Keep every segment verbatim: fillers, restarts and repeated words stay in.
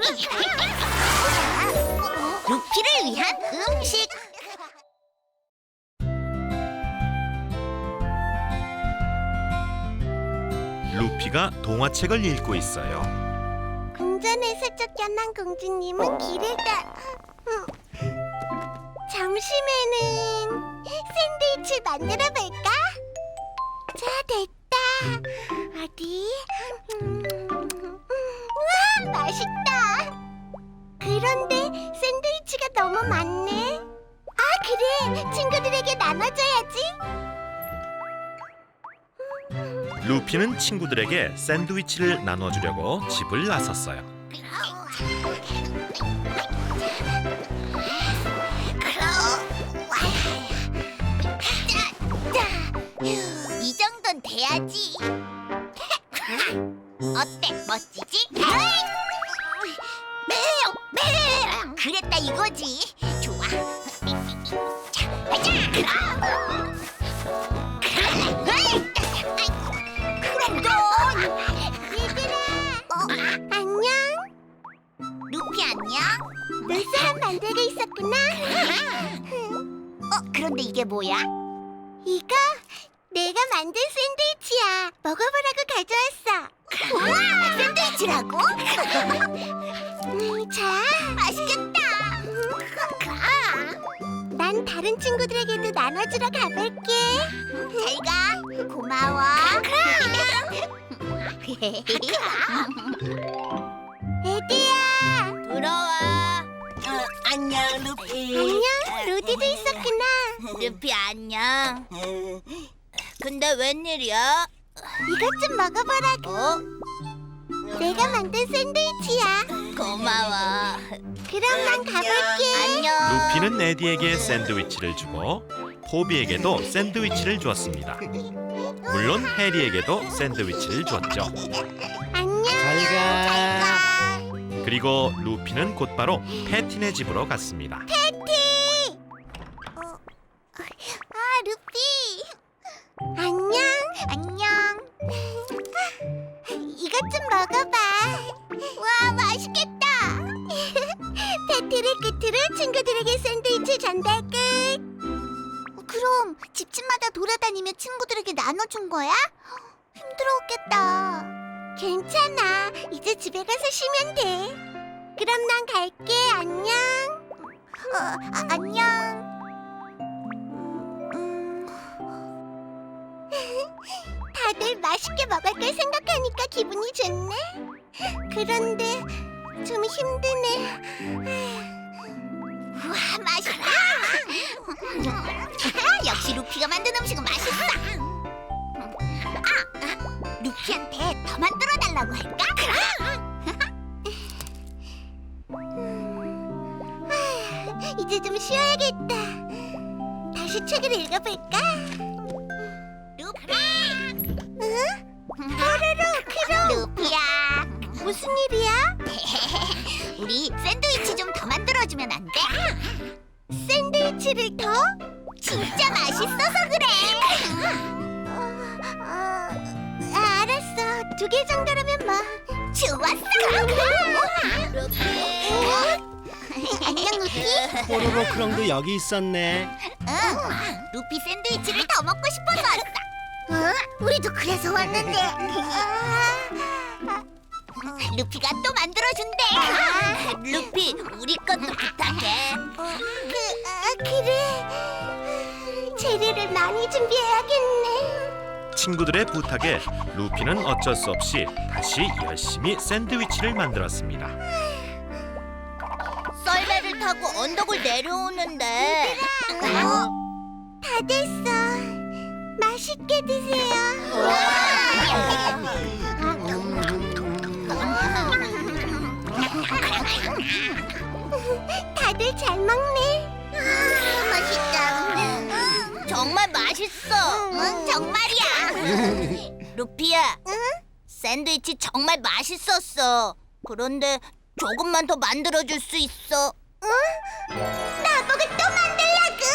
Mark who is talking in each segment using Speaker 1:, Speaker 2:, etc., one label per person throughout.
Speaker 1: 루피를 위한 음식.
Speaker 2: 루피가 동화책을 읽고 있어요.
Speaker 1: 궁전에서 쫓겨난 공주님은 길을 가... 음. 점심에는 샌드위치 만들어 볼까? 자, 됐다. 어디? 음. 와, 맛있다. 그런데 샌드위치가 너무 많네. 아, 그래. 친구들에게 나눠줘야지.
Speaker 2: 루피는 친구들에게 샌드위치를 나눠주려고 집을 나섰어요.
Speaker 1: 이 정도는 돼야지. 어때? 멋지지? 매우 매우 그랬다 이거지. 좋아. 자, 가자. 얘들아. 어, 안녕. 루피 안녕. 눈사람 만들고 있었구나. 어, 그런데 이게 뭐야? 이거 내가 만든 샌드위치야. 먹어보라고 가져왔어. 우와, 샌드위치라고? 음, 자, 맛있겠다. 난 다른 친구들에게도 나눠주러 가볼게. 잘 가. 고마워. 에디야.
Speaker 3: 들어와. 어, 안녕 루피.
Speaker 1: 안녕. 로디도 있었구나.
Speaker 3: 루피 안녕. 근데 웬일이야?
Speaker 1: 이것 좀 먹어보라고.
Speaker 3: 어?
Speaker 1: 내가 만든 샌드위치야.
Speaker 3: 고마워.
Speaker 1: 그럼 난 가볼게.
Speaker 3: 안녕.
Speaker 2: 루피는 에디에게 샌드위치를 주고 포비에게도 샌드위치를 주었습니다. 물론 해리에게도 샌드위치를 주었죠.
Speaker 1: 안녕.
Speaker 4: 잘 가.
Speaker 2: 그리고 루피는 곧바로 패티네 집으로 갔습니다.
Speaker 1: 패티. 어. 아, 루피. 안녕. 안녕. 이것 좀 먹어봐. 와, 맛있겠다. 패티를 끝으로 친구들에게 샌드위치 전달 끝. 그럼 집집마다 돌아다니며 친구들에게 나눠준 거야? 힘들었겠다. 괜찮아. 이제 집에 가서 쉬면 돼. 그럼 난 갈게. 안녕. 어, 아, 안녕. 음, 다들 맛있게 먹을 걸 생각하니까 기분이 좋네. 그런데 좀 힘드네. 우와, 맛있다. 역시 루피가 만든 음식은 맛있어. 아, 루피한테 더 만들어 달라고 할까? 아, 이제 좀 쉬어야겠다. 다시 책을 읽어볼까? 루피! 응? 뽀로로, 크롱! 루피야! 무슨 일이야? 우리 샌드위치 좀 더 만들어주면 안 돼? 샌드위치를 더? 진짜 맛있어서 그래! 어, 어, 알았어. 두 개 정도라면 뭐. 좋았어! 안녕, 루피.
Speaker 4: 뽀로로 크롱도 여기 있었네.
Speaker 1: 응, 루피 샌드위치를 더 먹고 싶어서 왔어. 어? 우리도 그래서 왔는데. 루피가 또 만들어준대.
Speaker 3: 루피 우리 것도 부탁해.
Speaker 1: 그, 아, 그래. 재료를 많이 준비해야겠네.
Speaker 2: 친구들의 부탁에 루피는 어쩔 수 없이 다시 열심히 샌드위치를 만들었습니다.
Speaker 3: 썰매를 타고 언덕을 내려오는데.
Speaker 1: 어? 다 됐어. 맛있게 드세요. 다들 잘 먹네. 아, 맛있다.
Speaker 3: 정말 맛있어.
Speaker 1: 응, 정말이야.
Speaker 3: 루피야.
Speaker 1: 응?
Speaker 3: 샌드위치 정말 맛있었어. 그런데 조금만 더 만들어줄 수 있어.
Speaker 1: 응? 나보고 또 만들라고?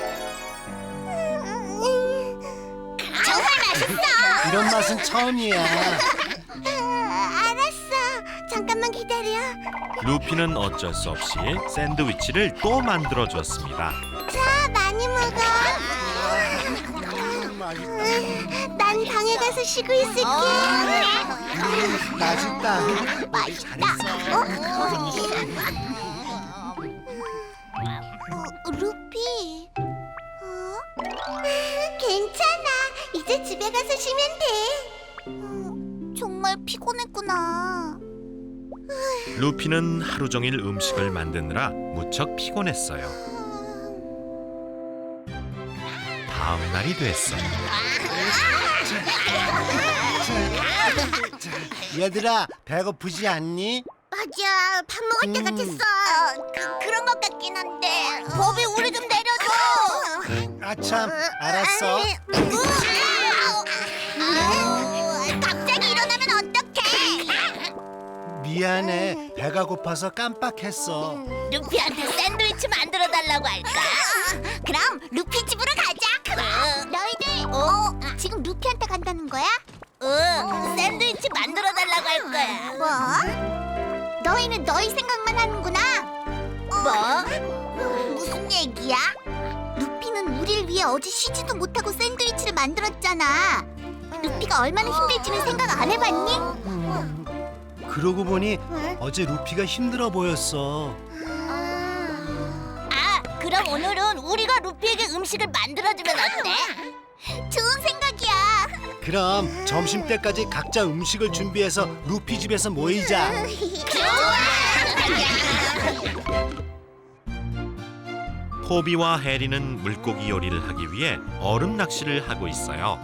Speaker 1: 정말 맛있어.
Speaker 4: 이런 맛은 처음이야.
Speaker 1: 아, 알았어. 잠깐만 조금만 기다려.
Speaker 2: 루피는 어쩔 수 없이 샌드위치를 또 만들어줬습니다.
Speaker 1: 자, 많이 먹어. 난 방에 가서 쉬고 있을게.
Speaker 4: 맛있다.
Speaker 1: 맛있다. 어? 어, 루피. 어? 괜찮아. 이제 집에 가서 쉬면 돼. 어, 정말 피곤했구나.
Speaker 2: 루피는 하루 종일 음식을 만드느라 무척 피곤했어요. 다음 날이 됐어요.
Speaker 4: 얘들아, 배고프지 않니?
Speaker 1: 맞아. 밥 먹을 때
Speaker 4: 음.
Speaker 1: 같았어. 어, 그, 그런 것 같긴 한데. 법이 우리 좀 내려줘.
Speaker 4: 아참, 알았어.
Speaker 1: 아우, 갑자기 일어나면 어떡해?
Speaker 4: 미안해. 배가 고파서 깜빡했어.
Speaker 3: 루피한테 샌드위치 만들어 달라고 할까?
Speaker 1: 그럼 루피 집으로 가자.
Speaker 3: 그래.
Speaker 1: 너희들 어? 지금 루피한테 간다는 거야?
Speaker 3: 응, 샌드위치 만들어 달라고 할 거야.
Speaker 1: 뭐? 너희는 너희 생각만 하는구나.
Speaker 3: 뭐?
Speaker 1: 무슨 얘기야? 루피는 우리를 위해 어제 쉬지도 못하고 샌드위치를 만들었잖아. 루피가 얼마나 힘들지는 생각 안 해봤니?
Speaker 4: 그러고 보니 어제 루피가 힘들어 보였어.
Speaker 3: 아, 그럼 오늘은 우리가 루피에게 음식을 만들어주면 어때?
Speaker 1: 좋은 생각이야.
Speaker 4: 그럼 점심 때까지 각자 음식을 준비해서 루피 집에서 모이자.
Speaker 2: 포비와 해리는 물고기 요리를 하기 위해 얼음 낚시를 하고 있어요.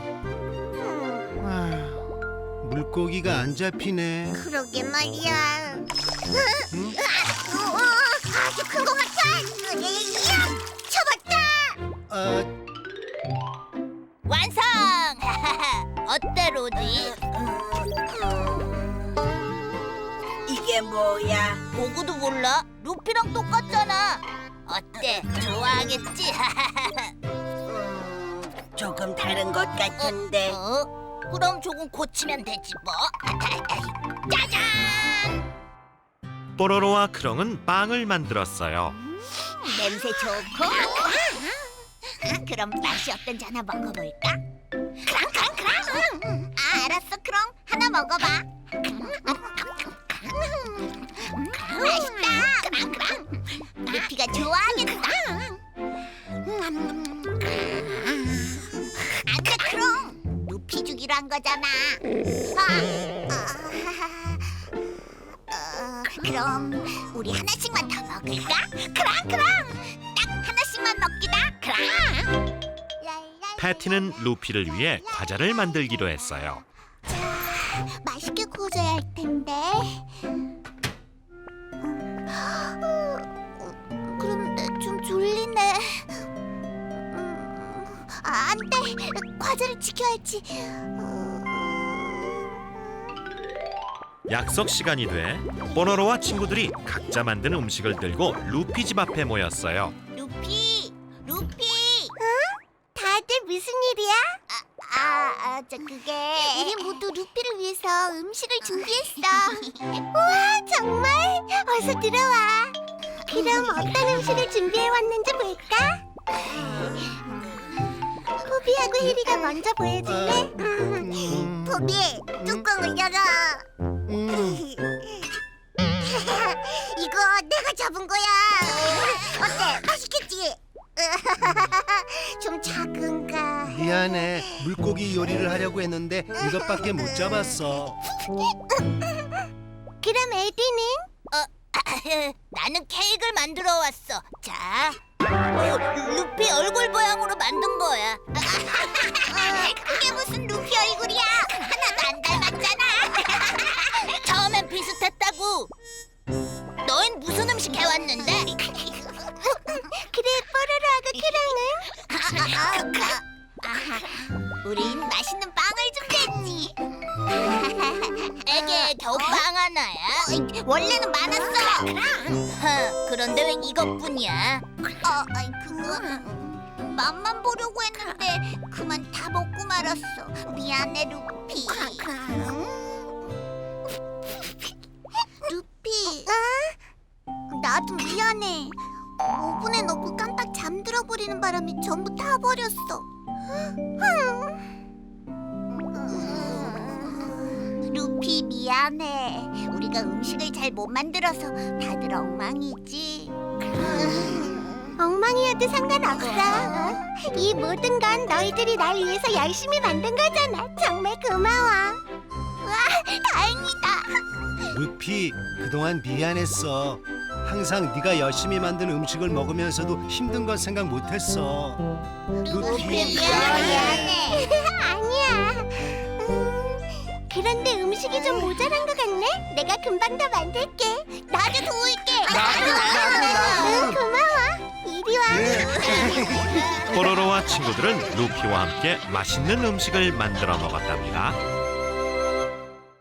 Speaker 4: 아, 물고기가 안 잡히네.
Speaker 1: 그러게 말이야.
Speaker 4: 응?
Speaker 1: 어, 아주 큰 것 같아. 이야, 잡았다.
Speaker 4: 어,
Speaker 3: 완성! 어때, 로지?
Speaker 5: 이게 뭐야?
Speaker 3: 보고도 몰라? 루피랑 똑같잖아. 어때? 좋아하겠지?
Speaker 5: 조금 다른 것 같은데.
Speaker 3: 어? 그럼 조금 고치면 되지 뭐. 짜잔!
Speaker 2: 뽀로로와 크롱은 빵을 만들었어요.
Speaker 1: 냄새 좋고. 그럼 맛이 어떤지 하나 먹어볼까? 크랑 크랑 크랑. 아, 알았어. 그럼 하나 먹어봐. 맛있다. 크랑 크랑. 루피가 좋아하겠다. 안돼, 크롱. 루피 주기로 한 거잖아. 아, 아, 어, 그럼 우리 하나씩만 더 먹을까? 크랑 크랑. 딱 하나씩만 먹기다. 크랑.
Speaker 2: 패티는 루피를 위해 과자를 만들기로 했어요.
Speaker 1: 맛있게 구워줘야 할 텐데. 그런데 좀 졸리네. 음, 아, 안 돼. 과자를 지켜야지.
Speaker 2: 약속 시간이 돼 뽀로로와 친구들이 각자 만든 음식을 들고 루피 집 앞에 모였어요.
Speaker 1: 루피, 루피. 응? 다들 무슨 일이야? 아, 아, 아, 저 그게. 우리 모두 루피를 위해서 음식을 준비했어. 우와, 정말? 어서 들어와. 그럼 어떤 음식을 준비해 왔는지 볼까? 포비하고 해리가 먼저 보여줄래?
Speaker 4: 음,
Speaker 1: 포비, 뚜껑을 열어.
Speaker 4: 음,
Speaker 1: 이거 내가 잡은 거야. 어때? 맛있겠지? 좀 작은가?
Speaker 4: 미안해. 물고기 요리를 하려고 했는데 이것밖에 못 잡았어.
Speaker 1: 그럼 에디는?
Speaker 3: 나는 케이크를 만들어 왔어. 자, 어, 루피 얼굴 모양으로 만든 거야.
Speaker 1: 그게 무슨 루피 얼굴이야? 하나도 안 닮았잖아.
Speaker 3: 처음엔 비슷했다고. 너흰 무슨 음식 해왔는데?
Speaker 1: 그래, 뽀로로하고 크랑은? 우린 맛있는 빵을 준비했지.
Speaker 3: 에게 겨우 빵 하나야?
Speaker 1: 원래는 많았어.
Speaker 3: 허, 그런데 왜 이것뿐이야?
Speaker 1: 어, 아이, 그건 맛만 보려고 했는데 그만 다 먹고 말았어. 미안해, 루피. 루피, 나도 미안해. 오븐에 넣고 깜빡 잠들어 버리는 바람에 전부 타버렸어. 루피 미안해. 우리가 음식을 잘 못 만들어서 다들 엉망이지. 엉망이어도 상관없어. 이 모든 건 너희들이 날 위해서 열심히 만든 거잖아. 정말 고마워. 와, 다행이다.
Speaker 4: 루피, 그동안 미안했어. 항상 네가 열심히 만든 음식을 먹으면서도 힘든 건 생각 못했어. 루피,
Speaker 1: 미안해. 아니야. 음, 그런데 음식이 좀 모자란 것 같네. 내가 금방 더 만들게. 나도 도울게.
Speaker 4: 나도, 나도, 나도.
Speaker 1: 응, 고마워. 이리 와.
Speaker 2: 뽀로로와 친구들은 루피와 함께 맛있는 음식을 만들어 먹었답니다.